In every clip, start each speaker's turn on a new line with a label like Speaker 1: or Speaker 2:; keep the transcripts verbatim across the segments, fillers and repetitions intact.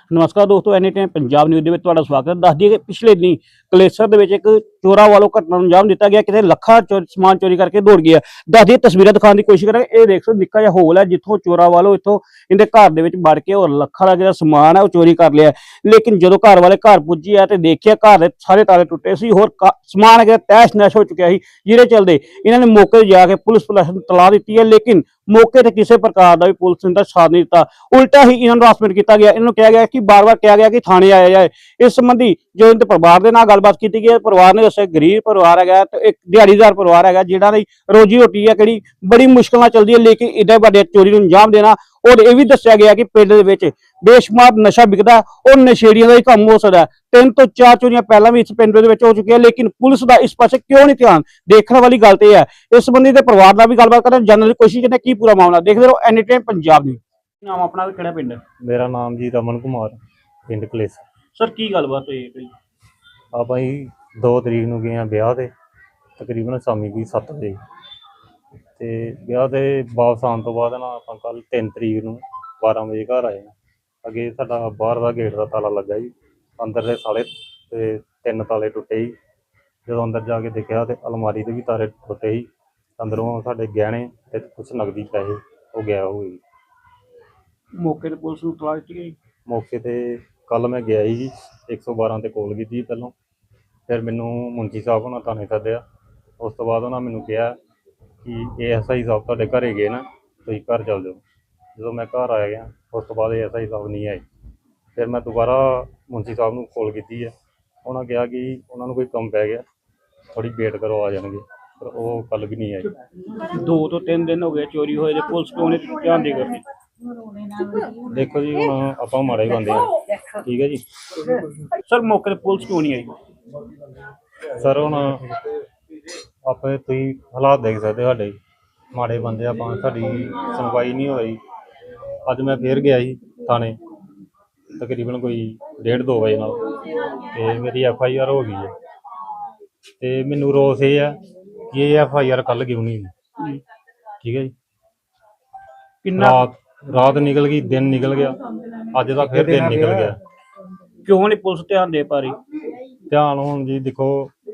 Speaker 1: ਨਮਸਕਾਰ ਦੋਸਤੋ, any time Punjab news ਦੇ ਵਿੱਚ ਤੁਹਾਡਾ ਸਵਾਗਤ ਹੈ। ਦੱਸ ਦਈਏ ਕਿ ਪਿਛਲੇ ਦਿਨੀ ਕਲੇਸਰ ਦੇ ਵਿੱਚ ਇੱਕ ਚੋਰਾਂ ਵੱਲੋਂ ਘਟਨਾ ਨੂੰ ਅੰਜਾਮ ਦਿੱਤਾ ਗਿਆ। ਕਿਤੇ ਲੱਖਾਂ ਚੋ ਸਮਾਨ ਚੋਰੀ ਕਰਕੇ ਦੌੜ ਗਿਆ। ਦੱਸ ਦਈਏ, ਤਸਵੀਰਾਂ ਦਿਖਾਉਣ ਦੀ ਕੋਸ਼ਿਸ਼ ਕਰਾਂਗੇ। ਇਹ ਦੇਖ ਸਕਦੇ ਨਿੱਕਾ ਜਿਹਾ ਹੋਲ ਹੈ ਜਿੱਥੋਂ ਚੋਰਾਂ ਵੱਲੋਂ ਇੱਥੋਂ ਇਹਦੇ ਘਰ ਦੇ ਵਿੱਚ ਵੜ ਕੇ ਔਰ ਲੱਖਾਂ ਦਾ ਜਿਹੜਾ ਸਮਾਨ ਹੈ ਉਹ ਚੋਰੀ ਕਰ ਲਿਆ। ਲੇਕਿਨ ਜਦੋਂ ਘਰ ਵਾਲੇ ਘਰ ਪੁੱਜੇ ਆ ਤੇ ਦੇਖਿਆ ਘਰ ਦੇ ਸਾਰੇ ਤਾਲੇ ਟੁੱਟੇ ਸੀ, ਹੋਰ ਸਮਾਨ ਹੈਗਾ ਤਹਿਸ਼ ਨਹਿਸ਼ ਹੋ ਚੁੱਕਿਆ ਸੀ। ਜਿਹਦੇ ਚਲਦੇ ਇਹਨਾਂ ਨੇ ਮੌਕੇ ਤੇ ਜਾ ਕੇ ਪੁਲਿਸ ਪ੍ਰਸ਼ਾਸਨ ਨੂੰ ਤਲਾਹ ਦਿੱਤੀ ਹੈ, ਲੇਕਿਨ ਮੌਕੇ ਤੇ ਕਿਸੇ ਪ੍ਰਕਾਰ ਦਾ ਵੀ ਪੁਲਿਸ ਨੇ ਸਾਥ ਨਹੀਂ ਦਿੱਤਾ। ਉਲਟਾ ਹੀ ਇਹਨਾਂ ਨੂੰ ਹਰਾਸਮੈਂਟ ਕੀਤਾ ਗਿਆ। ਇਹਨਾਂ ਨੂੰ ਕਿਹਾ ਗਿਆ ਕਿ ਬਾਰ-ਬਾਰ ਕਿਹਾ ਗਿਆ ਕਿ ਥਾਣੇ ਆਇਆ ਜਾਏ। ਇਸ ਸੰਬੰਧੀ ਜੋ ਇਹਦੇ ਪਰਿਵਾਰ ਦੇ ਨਾਲ ਗੱਲਬਾਤ ਕੀਤੀ ਗਈ, ਪਰਿਵਾਰ ਨੇ ਦੱਸਿਆ ਗਰੀਬ ਪਰਿਵਾਰ ਹੈਗਾ ਤੇ ਇੱਕ ਦਿਹਾੜੀਦਾਰ ਪਰਿਵਾਰ ਹੈਗਾ ਜਿਹੜਾ ਦੀ ਰੋਜੀ ਰੋਟੀ ਹੈ ਕਿਹੜੀ ਬੜੀ ਮੁਸ਼ਕਲ ਨਾਲ ਚੱਲਦੀ ਹੈ। ਲੇਕਿਨ ਇੱਡੇ ਵੱਡੇ ਚੋਰੀ ਨੂੰ ਅੰਜਾਮ ਦੇਣਾ, ਔਰ ਇਹ ਵੀ ਦੱਸਿਆ ਗਿਆ ਕਿ ਪਿੰਡ ਦੇ ਵਿੱਚ ਬੇਸ਼ੁਮਾਰ ਨਸ਼ਾ ਵਿਕਦਾ ਔਰ ਨਸ਼ੇੜੀਆਂ ਦਾ ਹੀ ਕੰਮ ਹੋ ਸਕਦਾ। ਤਿੰਨ ਤੋਂ ਚਾਰ ਚੋਰੀਆਂ ਪਹਿਲਾਂ ਵੀ ਇਸ ਪਿੰਡ ਦੇ ਵਿੱਚ ਹੋ ਚੁੱਕੀਆਂ, ਲੇਕਿਨ ਪੁਲਿਸ ਦਾ ਇਸ ਪਾਸੇ ਕਿਉਂ ਨਹੀਂ ਧਿਆਨ? ਦੇਖਣ ਵਾਲੀ ਗੱਲ ਤੇ ਹੈ। ਇਸ ਸੰਬੰਧੀ ਤੇ ਪਰਿਵਾਰ ਨਾਲ ਵੀ ਗੱਲਬਾਤ ਕਰਨ ਜਾਣਨ ਦੀ ਕੋਸ਼ਿਸ਼ ਕਰਦੇ ਕੀ ਪੂਰਾ ਮਾਮਲਾ। ਦੇਖਦੇ ਰਹੋ ਐਨੀ ਟਾਈਮ ਪੰਜਾਬ ਨਿਊਜ਼। ਨਾਮ ਆਪਣਾ ਤੇ ਕਿਹੜਾ ਪਿੰਡ?
Speaker 2: ਮੇਰਾ ਨਾਮ ਜੀ ਰਮਨ ਕੁਮਾਰ, ਪਿੰਡ ਕਲੇਸਰ।
Speaker 1: ਸਰ ਕੀ ਗੱਲਬਾਤ ਹੋਈ ਹੈ?
Speaker 2: ਆਪਾਂ ਜੀ ਦੋ ਤਰੀਕ ਨੂੰ ਗਏ ਹਾਂ ਵਿਆਹ ਤੇ, ਤਕਰੀਬਨ ਸ਼ਾਮੀ ਕੋਈ ਸੱਤ ਵਜੇ। ਤੇ ਵਿਆਹ ਤੇ ਵਾਪਸ ਆਉਣ ਤੋਂ ਬਾਅਦ ਨਾ ਆਪਾਂ ਕੱਲ ਤਿੰਨ ਤਰੀਕ ਨੂੰ ਬਾਰਾਂ ਵਜੇ ਘਰ ਆਏ ਹਾਂ। ਅੱਗੇ ਸਾਡਾ ਬਾਹਰ ਦਾ ਗੇਟ ਦਾ ਤਾਲਾ ਲੱਗਾ ਜੀ, ਅੰਦਰ ਦੇ ਸਾਲੇ ਤੇ ਤਿੰਨ ਤਾਲੇ ਟੁੱਟੇ ਜੀ। ਜਦੋਂ ਅੰਦਰ ਜਾ ਕੇ ਦੇਖਿਆ ਤੇ ਅਲਮਾਰੀ ਦੇ ਵੀ ਤਾਲੇ ਟੁੱਟੇ ਸੀ। ਅੰਦਰੋਂ ਸਾਡੇ ਗਹਿਣੇ ਤੇ ਕੁਛ ਨਕਦੀ ਪੈਸੇ ਉਹ ਗਿਆ ਹੋ ਗਏ।
Speaker 1: ਮੌਕੇ ਤੇ ਪੁਲਿਸ ਨੂੰ ਤਲਾਸ਼ ਦਿੱਤੀ ਗਈ।
Speaker 2: ਮੌਕੇ ਤੇ ਕੱਲ ਮੈਂ ਗਿਆ ਸੀ ਜੀ, ਇੱਕ ਸੌ ਬਾਰਾਂ ਤੇ ਕਾਲ ਕੀਤੀ ਪਹਿਲੋਂ। ਫਿਰ ਮੈਨੂੰ ਮੁੰਸ਼ੀ ਸਾਹਿਬ ਉਹਨਾਂ ਥਾਣੇ ਸੱਦਿਆ। ਉਸ ਤੋਂ ਬਾਅਦ ਉਹਨਾਂ ਮੈਨੂੰ ਕਿਹਾ ਕਿ ਏ ਐਸ ਆਈ ਸਾਹਿਬ ਤੁਹਾਡੇ ਘਰੇ ਗਏ ਨਾ, ਤੁਸੀਂ ਘਰ ਚੱਲ ਜਾਓ। ਜਦੋਂ ਮੈਂ ਘਰ ਆ ਗਿਆ ਉਸ ਤੋਂ ਬਾਅਦ ਏ ਐਸ ਆਈ ਸਾਹਿਬ ਨਹੀਂ ਆਏ। ਫਿਰ ਮੈਂ ਦੁਬਾਰਾ ਮੁੰਸ਼ੀ ਸਾਹਿਬ ਨੂੰ ਕਾਲ ਕੀਤੀ ਹੈ। ਉਹਨਾਂ ਕਿਹਾ ਕਿ ਉਹਨਾਂ ਨੂੰ ਕੋਈ ਕੰਮ ਪੈ ਗਿਆ, ਥੋੜ੍ਹੀ ਵੇਟ ਕਰੋ, ਆ ਜਾਣਗੇ। ਪਰ ਉਹ ਕੱਲ ਵੀ ਨਹੀਂ ਆਏ।
Speaker 1: ਦੋ ਤੋਂ ਤਿੰਨ ਦਿਨ ਹੋ ਗਏ ਚੋਰੀ ਹੋਏ ਤੇ ਪੁਲਿਸ ਕਿਉਂ ਨਹੀਂ ਧਿਆਨ ਦੇ ਕਰਦੀ?
Speaker 2: ਦੇਖੋ ਜੀ, ਹੁਣ ਆਪਾਂ ਮਾੜੇ ਬੰਦੇ ਹਾਂ, ਠੀਕ ਹੈ ਜੀ।
Speaker 1: ਸਰ ਮੌਕੇ ਤੇ ਪੁਲਿਸ ਕਿਉਂ ਨਹੀਂ ਆਈ?
Speaker 2: ਸਰ ਹੁਣ ਆਪੇ ਤੁਸੀਂ ਹਾਲਾਤ ਦੇਖ ਸਕਦੇ, ਸਾਡੇ ਮਾੜੇ ਬੰਦੇ ਆਪਾਂ, ਸਾਡੀ ਸੁਣਵਾਈ ਨਹੀਂ ਹੋਈ। ਅੱਜ ਮੈਂ ਫੇਰ ਗਿਆ ਸੀ ਥਾਣੇ, ਤਕਰੀਬਨ ਕੋਈ ਡੇਢ ਦੋ ਵਜੇ ਨਾਲ, ਤੇ ਮੇਰੀ ਐਫ ਆਈ ਆਰ ਹੋ ਗਈ ਹੈ। ਤੇ ਮੈਨੂੰ ਰੋਸ ਇਹ ਹੈ ਕਿ ਇਹ ਐਫ ਆਈ ਆਰ ਕੱਲ੍ਹ ਕਿਉਂ ਨਹੀਂ ਹੋਈ? ਠੀਕ ਹੈ ਜੀ।
Speaker 1: ਕਿੰਨਾ
Speaker 2: ਰਾਤ ਰਾਤ ਨਿਕਲ ਗਈ, ਦਿਨ ਨਿਕਲ ਗਿਆ, ਅੱਜ ਦਾ ਫਿਰ ਦਿਨ ਨਿਕਲ ਗਿਆ।
Speaker 1: ਕਿਉਂ ਨਹੀਂ ਪੁਲਿਸ ਧਿਆਨ ਦੇ ਪਾ ਰਹੀ?
Speaker 2: ਧਿਆਨ ਹੁਣ ਜੀ ਦੇਖੋ,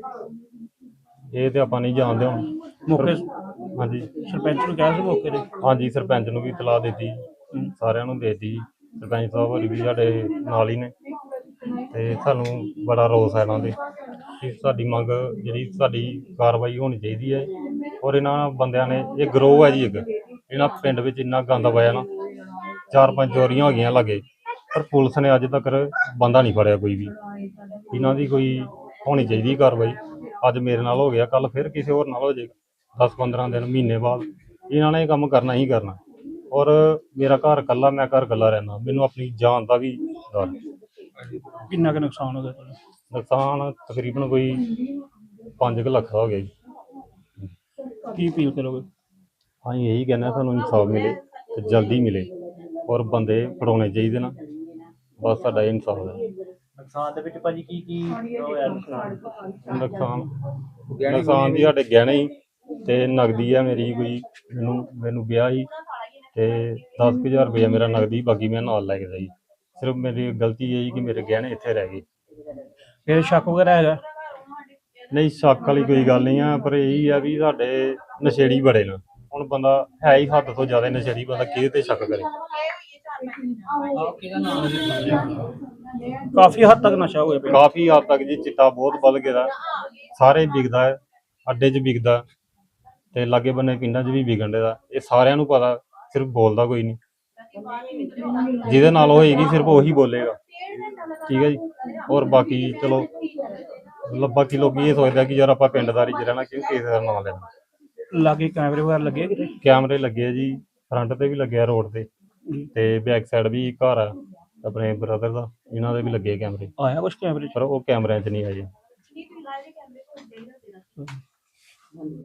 Speaker 2: ਇਹ ਤੇ ਆਪਾਂ ਨਹੀਂ ਜਾਣਦੇ ਹੁਣ।
Speaker 1: ਮੌਕੇ
Speaker 2: ਹਾਂਜੀ,
Speaker 1: ਸਰਪੰਚ ਨੂੰ ਕਿਹਾ ਸੀ ਮੌਕੇ ਤੇ?
Speaker 2: ਹਾਂਜੀ, ਸਰਪੰਚ ਨੂੰ ਵੀ ਇਤਲਾਹ ਦਿੱਤੀ, ਸਾਰਿਆਂ ਨੂੰ ਦੇ ਦਿੱਤੀ। ਸਰਪੰਚ ਸਾਹਿਬ ਹੋਰੀ ਵੀ ਸਾਡੇ ਨਾਲ ਹੀ ਨੇ, ਤੇ ਸਾਨੂੰ ਬੜਾ ਰੋਸ ਹੈ ਇਹਨਾਂ ਦੇ ਕਿ ਸਾਡੀ ਮੰਗ ਜਿਹੜੀ ਸਾਡੀ ਕਾਰਵਾਈ ਹੋਣੀ ਚਾਹੀਦੀ ਹੈ। ਔਰ ਇਹਨਾਂ ਬੰਦਿਆਂ ਨੇ, ਇਹ ਗਰੋਹ ਹੈ ਜੀ ਇੱਕ, ਇਹਨਾਂ ਪਿੰਡ ਵਿੱਚ ਇੰਨਾ ਗੰਦ ਪਾਇਆ ਨਾ, ਚਾਰ ਪੰਜ ਚੋਰੀਆਂ ਹੋ ਗਈਆਂ ਲਾਗੇ, ਪਰ ਪੁਲਿਸ ਨੇ ਅੱਜ ਤੱਕ ਬੰਦਾ ਨਹੀਂ ਫੜਿਆ ਕੋਈ ਵੀ। ਇਹਨਾਂ ਦੀ ਕੋਈ ਹੋਣੀ ਚਾਹੀਦੀ ਕਾਰਵਾਈ। ਅੱਜ ਮੇਰੇ ਨਾਲ ਹੋ ਗਿਆ, ਕੱਲ ਫਿਰ ਕਿਸੇ ਹੋਰ ਨਾਲ ਹੋ ਜਾਏਗਾ। ਦਸ ਪੰਦਰਾਂ ਦਿਨ, ਮਹੀਨੇ ਬਾਅਦ ਇਹਨਾਂ ਨੇ ਇਹ ਕੰਮ ਕਰਨਾ ਹੀ ਕਰਨਾ। ਔਰ ਮੇਰਾ ਘਰ ਇਕੱਲਾ, ਮੈਂ ਘਰ ਇਕੱਲਾ ਰਹਿੰਦਾ, ਮੈਨੂੰ ਆਪਣੀ ਜਾਨ ਦਾ ਵੀ ਡਰ।
Speaker 1: ਕਿੰਨਾ ਕੁ ਨੁਕਸਾਨ ਹੋ ਗਿਆ ਤੁਹਾਡਾ?
Speaker 2: ਨੁਕਸਾਨ ਤਕਰੀਬਨ ਕੋਈ ਪੰਜ ਕੁ ਲੱਖ ਦਾ ਹੋ ਗਿਆ ਜੀ।
Speaker 1: ਕੀ ਅਪੀਲ ਕਰੋਗੇ?
Speaker 2: ਅਸੀਂ ਇਹੀ ਕਹਿੰਦੇ ਸਾਨੂੰ ਇਨਸਾਫ ਮਿਲੇ ਤੇ ਜਲਦੀ ਮਿਲੇ, ਔਰ ਬੰਦੇ ਫੜਾਉਣੇ ਚਾਹੀਦੇ ਨਾ, ਬਸ ਸਾਡਾ ਇਹ ਇਨਸਾਫ ਹੈ।
Speaker 1: ਨੁਕਸਾਨ ਦੇ ਵਿੱਚ ਭਾਜੀ ਕੀ ਕੀ ਹੋਇਆ? ਨੁਕਸਾਨ
Speaker 2: ਨੁਕਸਾਨ ਨੁਕਸਾਨ ਦੀ ਸਾਡੇ ਗਹਿਣੇ ਹੀ ਤੇ ਨਗਦੀ ਹੈ ਮੇਰੀ ਕੋਈ, ਮੈਨੂੰ ਮੈਨੂੰ ਵਿਆਹ ਹੀ ਤੇ ਦਸ ਕੁ ਹਜ਼ਾਰ ਰੁਪਇਆ ਮੇਰਾ ਨਗਦੀ, ਬਾਕੀ ਮੈਂ ਨਾਲ ਲੈ ਕੇ ਜਾਈ। ਸਿਰਫ ਮੇਰੀ ਗਲਤੀ ਇਹ ਹੀ ਕਿ ਮੇਰੇ ਗਹਿਣੇ ਇੱਥੇ ਰਹਿ ਗਏ।
Speaker 1: ਫਿਰ ਸ਼ੱਕ ਵਗੈਰਾ ਹੈਗਾ?
Speaker 2: ਨਹੀਂ, ਸ਼ੱਕ ਵਾਲੀ ਕੋਈ ਗੱਲ ਨਹੀਂ ਆ, ਪਰ ਇਹੀ ਆ ਵੀ ਸਾਡੇ ਨਸ਼ੇੜੀ ਬੜੇ ਨੇ। ਹੁਣ ਬੰਦਾ ਹੈ ਹੀ ਹੱਦ ਤੋਂ ਜ਼ਿਆਦਾ ਨਸ਼ੇੜੀ, ਬੰਦਾ ਕਿਹਦੇ ਤੇ ਸ਼ੱਕ ਕਰੇ?
Speaker 1: ਕਾਫੀ ਹੱਦ ਤੱਕ ਨਸ਼ਾ ਹੋ ਗਿਆ।
Speaker 2: ਕਾਫੀ ਹੱਦ ਤੱਕ ਜੀ, ਚਿੱਟਾ ਬਹੁਤ ਵੱਧ ਗਿਆ, ਸਾਰੇ ਵਿਕਦਾ ਹੈ, ਅੱਡੇ 'ਚ ਵਿਕਦਾ ਤੇ ਲਾਗੇ ਬੰਨੇ ਪਿੰਡਾਂ 'ਚ ਵੀ ਵਿਕਣ ਦਾ। ਇਹ ਸਾਰਿਆਂ ਨੂੰ ਪਤਾ, ਸਿਰਫ ਬੋਲਦਾ ਕੋਈ ਨਹੀਂ। ਜਿਹਦੇ ਨਾਲ ਹੋਏਗੀ ਸਿਰਫ ਉਹੀ ਬੋਲੇਗਾ, ਠੀਕ ਹੈ ਜੀ। ਔਰ ਬਾਕੀ ਚਲੋ, ਬਾਕੀ ਲੋਕੀ ਇਹ ਸੋਚਦਾ ਕਿ ਯਾਰ ਆਪਾਂ ਪਿੰਡਦਾਰੀ 'ਚ ਰਹਿਣਾ, ਕਿਉਂ ਕਿਸੇ ਦਾ ਨਾਂ ਲੈਣਾ।
Speaker 1: ਲਾਗੇ ਕੈਮਰੇ ਵਗੈਰਾ ਲੱਗੇ ਕਿਤੇ?
Speaker 2: ਕੈਮਰੇ ਲੱਗੇ ਆ ਜੀ, ਫਰੰਟ ਤੇ ਵੀ ਲੱਗਿਆ ਰੋਡ ਤੇ, ਤੇ ਬੈਕ ਸਾਈਡ ਵੀ ਘਰ ਆ ਆਪਣੇ ਬ੍ਰਦਰ ਦਾ, ਇਹਨਾਂ ਦੇ ਵੀ ਲੱਗੇ ਕੈਮਰੇ।
Speaker 1: ਆਇਆ ਕੁਛ ਕੈਮਰੇ 'ਚ?
Speaker 2: ਪਰ ਉਹ ਕੈਮਰਿਆਂ 'ਚ ਨਹੀਂ ਆਏ।